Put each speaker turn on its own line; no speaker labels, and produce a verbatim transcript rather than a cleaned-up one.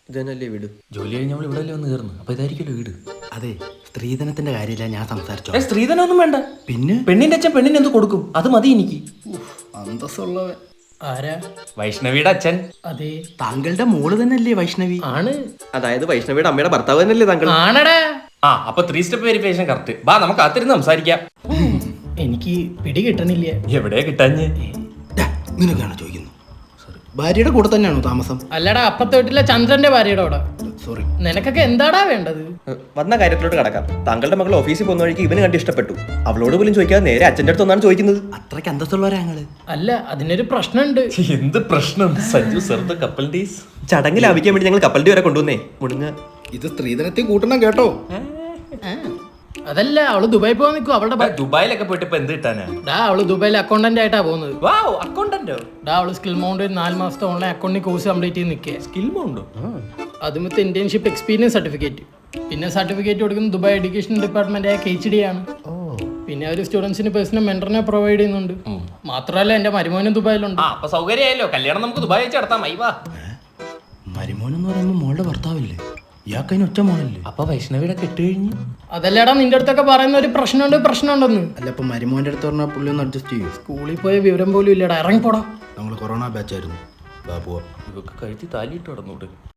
ഇതന്നല്ലേ വീട്?
ജോലി കഴിഞ്ഞ് നമ്മൾ ഇവിടെ വന്ന് കയറുന്നു. അപ്പൊ ഇതായിരിക്കുമല്ലോ വീട്.
അതെ, സ്ത്രീധനത്തിന്റെ കാര്യമില്ല ഞാൻ സംസാരിച്ചോ.
ഏ, സ്ത്രീധനൊന്നും വേണ്ട.
പിന്നെ
പെണ്ണിന്റെ അച്ഛൻ പെണ്ണിന് എന്ത് കൊടുക്കും? അത് മതി എനിക്ക്.
അന്തസ്സുള്ളവൻ.
ആരാ?
വൈഷ്ണവിയുടെ അച്ഛൻ.
അതെ,
താങ്കളുടെ മോള് തന്നെയല്ലേ വൈഷ്ണവി?
ആണ്.
അതായത് വൈഷ്ണവിയുടെ അമ്മയുടെ ഭർത്താവ് തന്നെയല്ലേ താങ്കൾ?
ആണടാ.
ആ, അപ്പൊ ത്രീ സ്റ്റെപ്പ് വെരിഫിക്കേഷൻ കറക്റ്റ്. ബാ, നമുക്ക് അത്തിരുന്ന് സംസാരിക്കാം.
എനിക്ക് പിടി കിട്ടണില്ല.
എവിടെയാ കിട്ടാഞ്ഞ്?
ഡാ, നിനക്കാണോ ചോദിക്കുന്നു? സോറി, ഭാര്യയുടെ കൂടെ തന്നെയാണോ താമസം?
അല്ലടാ, അപ്പത്തെ വീട്ടിലെ ചന്ദ്രന്റെ ഭാര്യയുടെ അവിടെ.
സോറി.
നിനക്കൊക്കെ എന്താടാ വേണ്ടത്?
വന്ന കാര്യത്തിലോട്ട് കടക്കാം. താങ്കളുടെ മകൾ ഓഫീസിൽ പോകുന്ന വഴിക്ക് ഇവന് കണ്ട് ഇഷ്ടപ്പെട്ടു. അവളോട് പോലും ചോദിക്കാതെ നേരെ അച്ഛൻ്റെ അടുത്ത് ഒന്നാണ് ചോദിക്കുന്നത്.
അത്രയ്ക്ക് അന്തസ്സുള്ളവരാ ഞങ്ങള്.
അല്ല, അതിനൊരു പ്രശ്നമുണ്ട്.
എന്ത് പ്രശ്നം? Sanju sir the couple days
ചടങ്ങ് ലാഭിക്കാൻ വേണ്ടി ഞങ്ങൾ കപ്പലിന്റെ വരെ കൊണ്ടുവന്നേ. മുടുങ്ങ
ഇത് സ്ത്രീധനത്തിൽ കൂട്ടണം കേട്ടോ.
അതല്ല, അവള് ദുബായി പോകാൻ നിൽക്കും. അവളുടെ ഭ-
ദുബായിലൊക്കെ പോയിട്ട് ഇപ്പൊ എന്ത് കിട്ടാനാ?
ഡാ, അവള് ദുബായിൽ അക്കൗണ്ടന്റ് ആയിട്ടാ പോകുന്നത്.
വാവ്, അക്കൗണ്ടന്റോ?
ഡാ, അവള് സ്കിൽ മൗണ്ട് നാല് മാസത്തെ ഓൺലൈൻ അക്കൗണ്ടിങ് കോഴ്സ് കംപ്ലീറ്റ് ചെയ്ത് നിൽക്കുക.
സ്കിൽമുണ്ടോ?
അതുമത്തെ ഇന്റേൺഷിപ്പ് എക്സ്പീരിയൻസ് സർട്ടിഫിക്കറ്റ്. പിന്നെ സർട്ടിഫിക്കറ്റ് കൊടുക്കുന്നത് ദുബായ് എഡ്യൂക്കേഷൻ ഡിപ്പാർട്ട്മെന്റ് ആയ കെ എച്ച് ഡി ആണ്. പിന്നെ ഒരു സ്റ്റുഡൻസിന് പേഴ്സണൽ മെന്ററിനെ പ്രൊവൈഡ് ചെയ്യുന്നുണ്ട്. മാത്രമല്ല എന്റെ മരുമോനും ദുബായിലുണ്ട്.
ആ, അപ്പൊ സൗകര്യമായല്ലോ. കല്യാണം നമുക്ക് ദുബായി വെച്ച് നടത്താം. അയ്യ, വാ.
മരുമോനെന്ന് പറയുമ്പോ മോളുടെ ഭർത്താവില്ലേ? ഇയാൾക്കതിന് ഒറ്റ മോളല്ലേ?
അപ്പൊ വൈഷ്ണവിയുടെ കെട്ട് കഴിഞ്ഞു.
അതല്ലടാ, നിന്റെ അടുത്തൊക്കെ പറയുന്ന ഒരു പ്രശ്നമുണ്ട് പ്രശ്നമുണ്ടെന്ന്.
അല്ല, ഇപ്പൊ മരുമോന്റെ അടുത്ത് പറഞ്ഞാൽ പുള്ളി ഒന്ന് അഡ്ജസ്റ്റ് ചെയ്യൂ.
സ്കൂളിൽ പോയ വിവരം പോലും ഇല്ലടാ. ഇറങ്ങിപ്പോടാ.
നമ്മൾ കൊറോണ ബാച്ചായിരുന്നു. ബാ പോവാ.
ഇവക്ക് കഴുത്തി താലിയിട്ട് കടന്നൂടെ?